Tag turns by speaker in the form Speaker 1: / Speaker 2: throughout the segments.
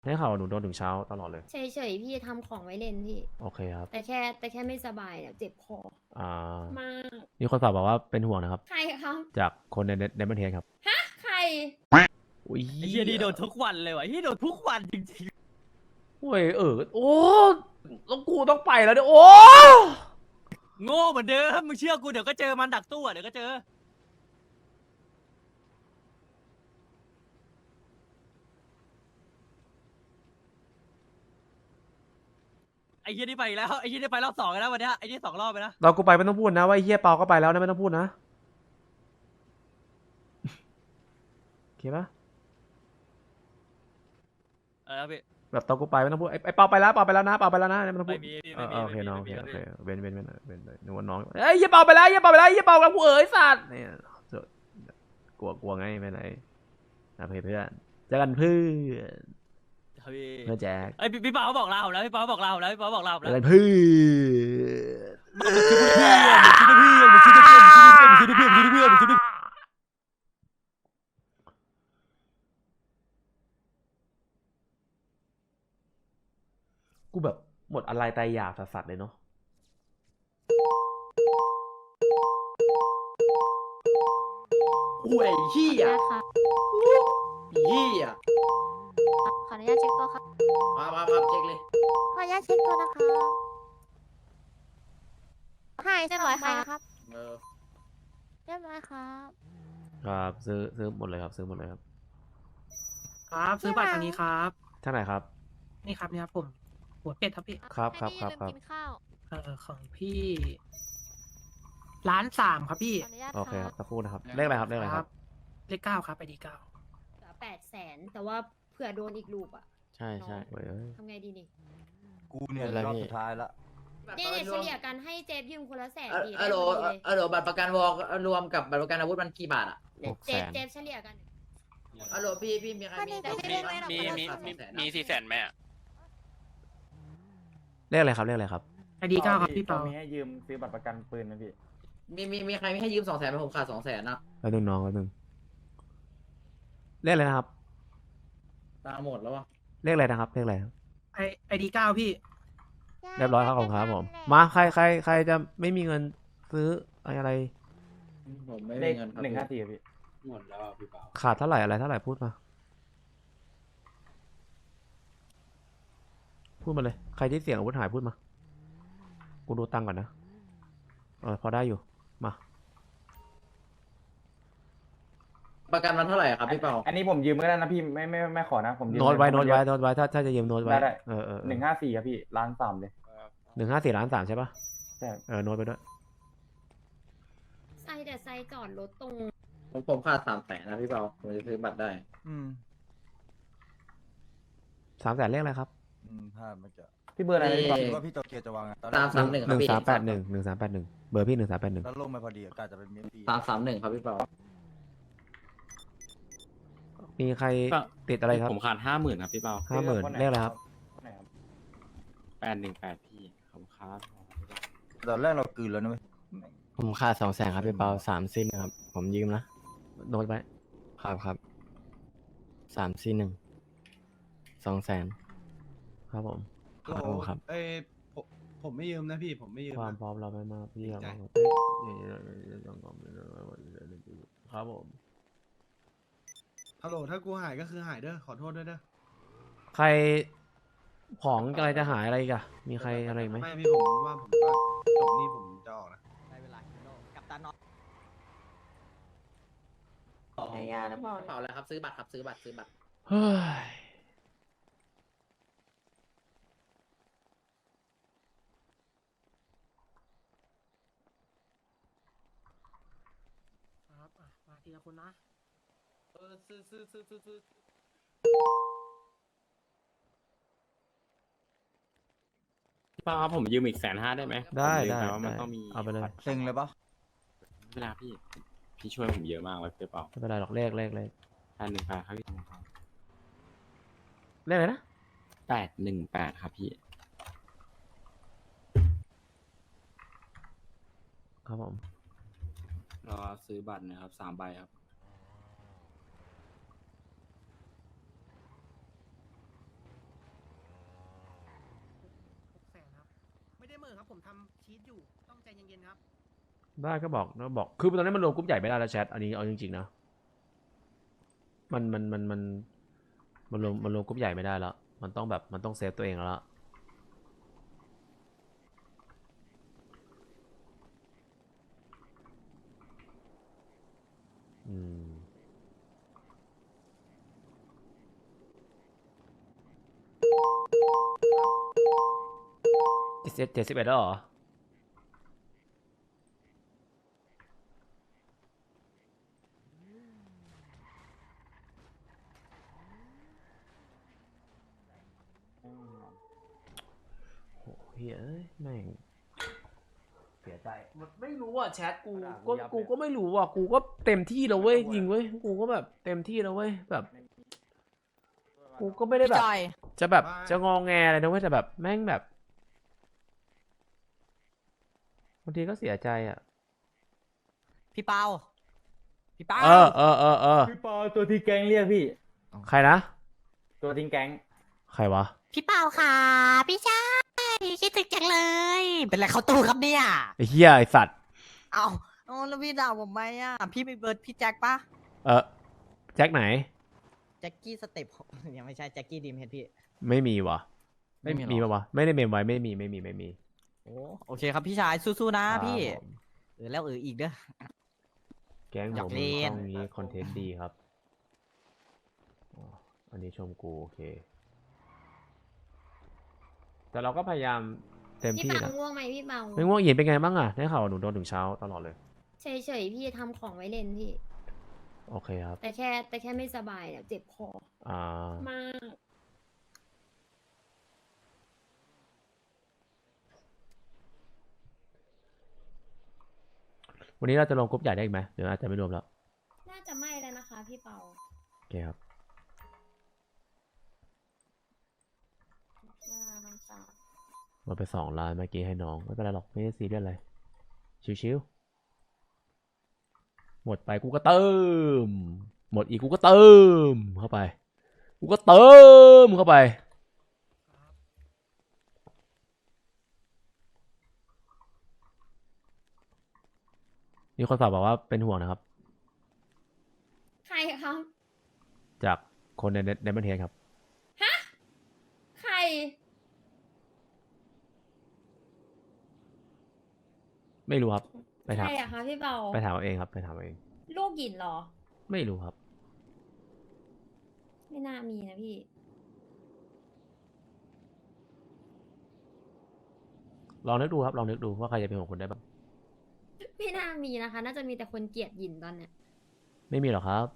Speaker 1: ได้ข่าวหนูโดนถึงเช้าตลอดเลย
Speaker 2: เฉยๆพี่ทำของไว้เล่นพี่
Speaker 1: โอเคครับ
Speaker 2: แต่แค่ไม่สบายเนี่ยเจ็บคอ
Speaker 1: อ่า
Speaker 2: มาก
Speaker 1: มีคนฝากบอกว่าเป็นห่วงนะครับ
Speaker 2: ใครครับ
Speaker 1: จากคนในประเทศครับ
Speaker 2: ใคร
Speaker 1: อุ้ย
Speaker 3: ไอ้เฮียนี่โดนทุกวันเลยวะเฮียโดนทุกวันจริง
Speaker 1: โอ้ยโอ้แล้วกูต้องไปแล้วเนี่ยโอ้
Speaker 3: ๆโง่เหมือนเดิมมึงเชื่อกูเดี๋ยวก็เจอมันดักตู้อะเดี๋ยวก็เจอไอ้เฮียนี่ไปอีกแล้วไอ้เฮียนี่ไปรอบสองแล้ววันเนี้ยไอ้นี่2 รอบไปนะ
Speaker 1: เรากูไปไม่ต้องพูดนะว่าไอ้เฮียเปาก็ไปแล้วนะไม่ต้องพูดนะโอเคปะ
Speaker 3: พี่
Speaker 1: แบบตอนกูไปไม่ต้องพูดไอ้เปาไปแล้วเปาไปแล้วนะเปาไปแล้วนะไม่ต้องพู
Speaker 3: ไม่
Speaker 1: ด
Speaker 3: มีพี่
Speaker 1: โอเคน้องโอ
Speaker 3: ไม่
Speaker 1: เค
Speaker 3: มี
Speaker 1: โอเค
Speaker 3: ไม่มี
Speaker 1: เว้นนึกว่าน้องเอ้ยเฮียเปาไปแล้วเฮียเปาไปแล้วเฮียเปาแล้วกูสัตว์เนี่ยกลัวไงไม่ไหนนะเพื่อนเจอกันเพื่อน
Speaker 3: พี่
Speaker 1: เพื่อนแจ็ค
Speaker 3: ไอ้ยพี่เปาเขาบอกลาผมแล้วพี่เปาเขาบอกลาผมแล้วพี่เปาเขาบอกลาผม
Speaker 1: เจ
Speaker 3: แล้
Speaker 1: อ
Speaker 3: ว
Speaker 1: กันเพื่อนกูแบบหมดอะไรตายอยากสัสๆเลยเนาะ
Speaker 4: ห่วยเหี้ย
Speaker 5: ค่ะ
Speaker 4: เหี้ย
Speaker 5: ขออนุญาตเช็คตัวครับ
Speaker 4: มาเช็คเลย
Speaker 5: ขออนุญาตเช็คตัวนะครับหายเรียบร้อยครับ
Speaker 4: เออ
Speaker 5: เรียบร้อยครับ
Speaker 1: ครับซื้อหมดเลยครับซื้อหมดเลยครับ
Speaker 6: ครับซื้อบัตรทางนี้ครับ
Speaker 1: ท่านไหนครับ
Speaker 6: นี่ครับเนี่ยผมหัวเป็ดครับพี่
Speaker 1: ครับ
Speaker 5: ให้พี่
Speaker 1: ครับ
Speaker 5: ลืม
Speaker 1: ครับ
Speaker 5: กินข้าว
Speaker 6: ของพี่1,300,000ครับพี่
Speaker 5: ขออนุญาต
Speaker 1: โอเคครับสักครู่นะครับเลขอะไรครับเลขอะไรครับ
Speaker 6: เลข 9ครับไปดี9
Speaker 2: 800,000แต่ว่าเผื่อโดนอีกลูกอ่ะ
Speaker 1: ใช่ใช่เว้ย
Speaker 2: ทำไงดีนี่
Speaker 7: กูเนี่ยรอบสุดท้ายละ
Speaker 2: เนี่ยเฉลี่ยกันให้เจฟยืมคนละ100,000ดี
Speaker 4: อะโหล
Speaker 2: ได้พอดีเลย
Speaker 4: อะโหลบัตรประกันวอลรวมกับบัตรประกันอาวุธมันกี่บาทอ่ะ
Speaker 2: เนี่ยเจฟเฉลี่ยกัน
Speaker 4: อะโหลพี่มีใครมี
Speaker 8: มี400,000ไหมอ่ะ
Speaker 1: เลขอะไรครับเลขอะไรครับ
Speaker 6: ไปดี9ครับพี่เปา
Speaker 7: มีให้ยืมซื้อบัตรประกันปืนไหมพี่
Speaker 4: มีใครไม่ให้ยืม200,000ไหมผมขาด200,000นะ
Speaker 1: แป๊บนึงน้องแป๊บนึงเลขอะไรนะครับ
Speaker 4: ตามหมดแล้ววะ
Speaker 1: เลขอะไรนะครับเลขอะไรครับ
Speaker 6: ไอดี9พี่
Speaker 1: เรียบร้อยครับผมครับผมมาใครจะไม่มีเงินซื้ออะไร
Speaker 4: ผมไม่
Speaker 7: เล
Speaker 4: มี
Speaker 7: ข
Speaker 4: เงินครับ
Speaker 7: 154พี่
Speaker 8: หมดแล้วพี่เปา
Speaker 1: ขาดเท่าไหร่อะไรเท่าไหร่พูดมาพูดมาเลยใครที่เสี่ยงอาวุธหายพูดมากูดูตังค์ก่อนนะพอได้อยู่มา
Speaker 4: ประกันมันเท่าไหร่ครับพี่เปา
Speaker 7: อันนี้ผมยืมก็ได้นะพี่ไม่ขอนะผมยืม
Speaker 1: โน้ตไว้ถ้าจะยืมโน้ตไว้
Speaker 7: ได้
Speaker 1: 154
Speaker 7: ครับพี่1,300,000เลย
Speaker 1: 154,300,000ใช่ปะ
Speaker 7: ใช่
Speaker 1: โน้ตไปด้วย
Speaker 2: ไซแต่ไซจอดรถตรง
Speaker 4: ผมขาด300,000นะพี่เปาผมจะซื้อบัตรได้
Speaker 1: 300,000เลขอะไรครับ
Speaker 7: พลาดเมื่อกี้พี่เบอร์อะไรนะพี่
Speaker 4: นี่
Speaker 7: คิดว่าพี่โตเกียวจะวางอะตอนแรก
Speaker 4: 331ครับพี่
Speaker 1: 1381เบอร์พี่1381
Speaker 7: แล้วลงไปพอดีอากาศจะเป็นเมียปี
Speaker 4: 331ครับพี่เปา
Speaker 1: มีใครติดอะไรครับ
Speaker 8: ผมขาด50,000ครับพี่เปา
Speaker 1: 50,000เลขอะไรครับ
Speaker 7: ไหนครับ
Speaker 8: 818พี่ขอบคุณครับ
Speaker 7: ตอนแรกเรากลืนแล้วนะเว้ย
Speaker 8: ผมขาด200,000ครับพี่เปา341ครับผมยืมนะ
Speaker 1: โน้ตไว้
Speaker 8: ครับ341 200,000
Speaker 1: ครับผม
Speaker 8: ครับ
Speaker 9: เอ้ยผมไม่ยืมนะพี่ผมไม่ยืม
Speaker 1: ความ
Speaker 9: นะ
Speaker 1: พร้อมเราไม่มากพี่ครับครับผม
Speaker 9: ฮัลโหลถ้ากูหายก็คือหายเด้อขอโทษด้วยเด้อ
Speaker 1: ใครของอะไรจะหายอะไรอีกอะมีใครอะไรอีกไหม
Speaker 9: ไม่พี่ผมว่าผมก็จบนี่ผมจะออกนะ
Speaker 3: ได้เวลากับตาน้อง
Speaker 4: เปาแล้วครับซื้อบัตรครับซื้อบัตร
Speaker 1: เฮ้ย
Speaker 6: ครับมาทีละคนนะ
Speaker 4: ซื้อ
Speaker 8: พี่เปาครับผมยืมอีก150,000ได้ไหม
Speaker 1: ได้
Speaker 8: ผมลืม
Speaker 1: ได้
Speaker 8: ปว่ามันต้องมี
Speaker 1: เอาไปเลย
Speaker 7: เซ็งเลยปะ
Speaker 8: เวลาพี่ช่วยผมเยอะมากเลยพี่เปา
Speaker 1: ไม่เป็นไรหรอกเลข
Speaker 8: 818ครับพี่
Speaker 1: เลขอะไรนะ
Speaker 8: 818ครับพี่
Speaker 1: ครับผม
Speaker 8: รอซื้อบัตรนะครับ3 ใบครับ
Speaker 1: ค
Speaker 6: ได้เหม่อครับผมทำชีตอยู่ต้องใจเย็นๆครับ
Speaker 1: ได้ก็บอกคือตอนนี้มันรวมกรุ๊ปใหญ่ไม่ได้แล้วแชทอันนี้เอาจริงๆนะมันรวมกรุ๊ปใหญ่ไม่ได้แล้วมันต้องแบบมันต้องเซฟตัวเองแล้วล่ะอืม71แล้วเหรอโหเฮ้ยเอ้ยแม่งเสียใจไม่รู้อ่ะแชทกูก็ไม่รู้อ่ะกูก็เต็มที่แล้วเว้ยจริงเว้ยกูก็แบบเต็มที่แล้วเว้ยแบบกูก็ไม่ได้แบบจะแบบจะงอแงอะไรนะเว้ยแต่แบบแม่งแบบบางทีก็เสียใจอ่ะ
Speaker 3: พี่เปาพี่เปา
Speaker 1: เออ
Speaker 7: พี่ปอตัวที่แก๊งเรียกพี่
Speaker 1: ใครนะ
Speaker 7: ตัวทิ้งแก๊ง
Speaker 1: ใครวะ
Speaker 5: พี่เปาค่ะพี่ชายคิดถึงจังเลย
Speaker 3: เป็นไรเขาตู้ครับเนี่ย
Speaker 1: ไอ้เหี้ยไอ้สัตว์
Speaker 3: เอาแล้วพี่ด่าผมไหมอ่ะพี่มีเบอร์พี่แจ็คปะ
Speaker 1: แจ็คไหน
Speaker 3: แจ็คกี้สเต็ป ยังไม่ใช่แจ็คกี้ดีมเฮดพี่
Speaker 1: ไม่มีวะ
Speaker 3: ไม่มีหรอ
Speaker 1: มีปะวะไม่ได้เมมไว้ไม่มี
Speaker 3: โอเคครับพี่ชายสู้ๆนะครับพี่
Speaker 1: ผม
Speaker 3: แล้วอีกเด้อ
Speaker 1: แก๊ง
Speaker 3: อ
Speaker 1: ผ
Speaker 3: ยาก
Speaker 1: ม
Speaker 3: เล่น
Speaker 1: ช่องนี้คอนเทนต์ดีครับอ๋ออันนี้ชมกูโอเค แต่เราก็พยายามเต็ม
Speaker 2: พี่
Speaker 1: ที่
Speaker 2: เปา
Speaker 1: นะ
Speaker 2: ง่วงไหมพี่เปา
Speaker 1: ไม่ง่วงเย็นเป็นไงบ้างอะได้ข่าวว่าหนูโดนถึงเช้าตลอดเลย
Speaker 2: เฉยๆพี่ทำของไว้เล่นพี่
Speaker 1: โอเคครับ
Speaker 2: แต่แค่ไม่สบายเนี่ยเจ็บคอ
Speaker 1: อ่า
Speaker 2: มาก
Speaker 1: วันนี้เราจะลงกรุ๊ปใหญ่ได้อีกไหมหรืออาจจะไม่รวมแล้ว
Speaker 2: น่าจะไม่แล้วนะคะพี่เปา
Speaker 1: โอเคครับ หมดไป2 ล้านเมื่อกี้ให้น้องไม่เป็นไรหรอกไม่ได้ซีเรียสอะไรชิวๆหมดไปกูก็เติมหมดอีกกูก็เติมเข้าไปกูก็เติมเข้าไปมีคนฝากบอกว่าเป็นห่วงนะครับ
Speaker 2: ใครครับ
Speaker 1: จากคนในประเทศครับ
Speaker 2: ใคร
Speaker 1: ไม่รู้ครับไป
Speaker 2: ใค
Speaker 1: ถาร ม
Speaker 2: อะคะพี่เปา
Speaker 1: ไปถามเอาเองครับไปถามเอาเอง
Speaker 2: ลูกหยินเหรอ
Speaker 1: ไม่รู้ครับ
Speaker 2: ไม่น่ามีนะพี่
Speaker 1: ลองนึกดูครับลองนึกดูว่าใครจะเป็นห่วงคุณได้บ้าง
Speaker 2: ไม่น่ามีนะคะ น่าจะมีแต่คนเกลียดหยินตอนเนี้ย
Speaker 1: ไม่มีหรอกครับ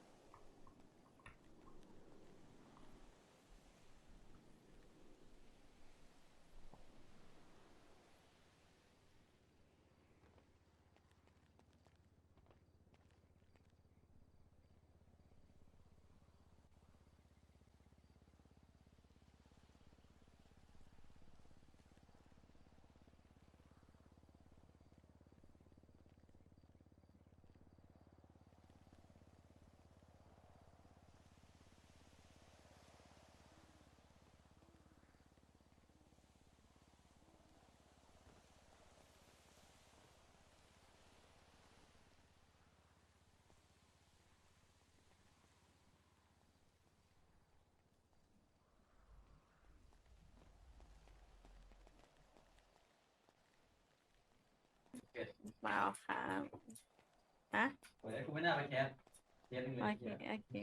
Speaker 5: เปล่าครับฮะ
Speaker 3: กูไม่น่าไปแคสเทียน
Speaker 5: โอเคโอเค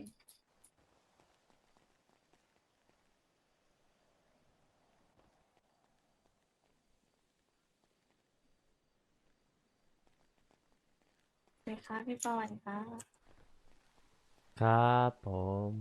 Speaker 5: เลยค่ะพี่ปอนค่ะ
Speaker 1: ครับผม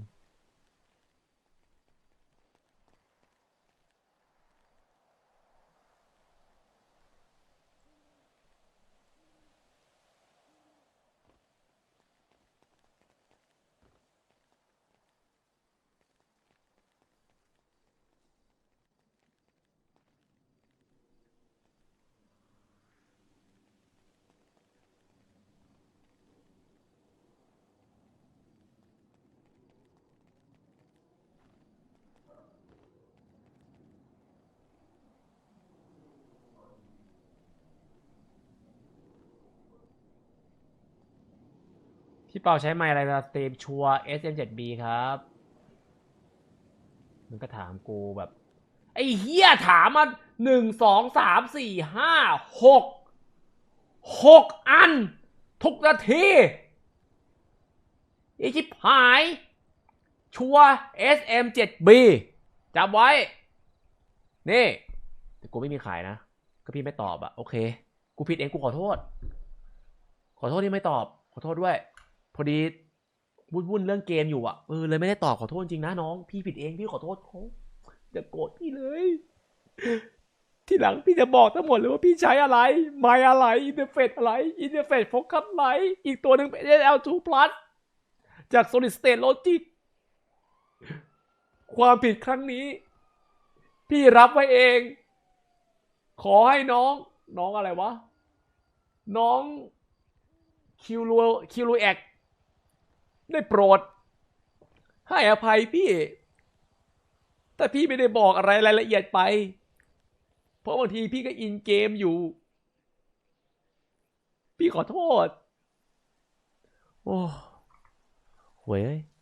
Speaker 1: พี่เปาใช้ไมค์อะไรนะสตรีมชัว SM7B ครับมันก็ถามกูแบบ ไอ้เฮียถามมา1 2 3 4 5 6 อัน ทุกนาทีไอ้ชิบหายชัว SM7B จำไว้ นี่แต่กูไม่มีขายนะ ก็พี่ไม่ตอบอะโอเค กูผิดเองกูขอโทษ ขอโทษที่ไม่ตอบ ขอโทษด้วย พอดีวุ่นเรื่องเกมอยู่อะเลยไม่ได้ตอบขอโทษจริงนะน้อง พี่ผิดเองพี่ขอโทษเขาอย่าโกรธพี่เลย ทีหลังพี่จะบอกทั้งหมดเลยว่าพี่ใช้อะไร ไมค์อะไร อินเทอร์เฟซอะไร อินเทอร์เฟซโฟกัสไลท์อีกตัวหนึ่งเป็น SL2 Plus จาก Solid State Logic ความผิดครั้งนี้ พี่รับไว้เอง ขอให้น้องอะไรวะ น้องคิวรูแอกได้โปรด ให้อภัยพี่ แต่พี่ไม่ได้บอกอะไรรายละเอียดไป เพราะบางทีพี่ก็อินเกมอยู่ พี่ขอโทษ โอ้เว้ย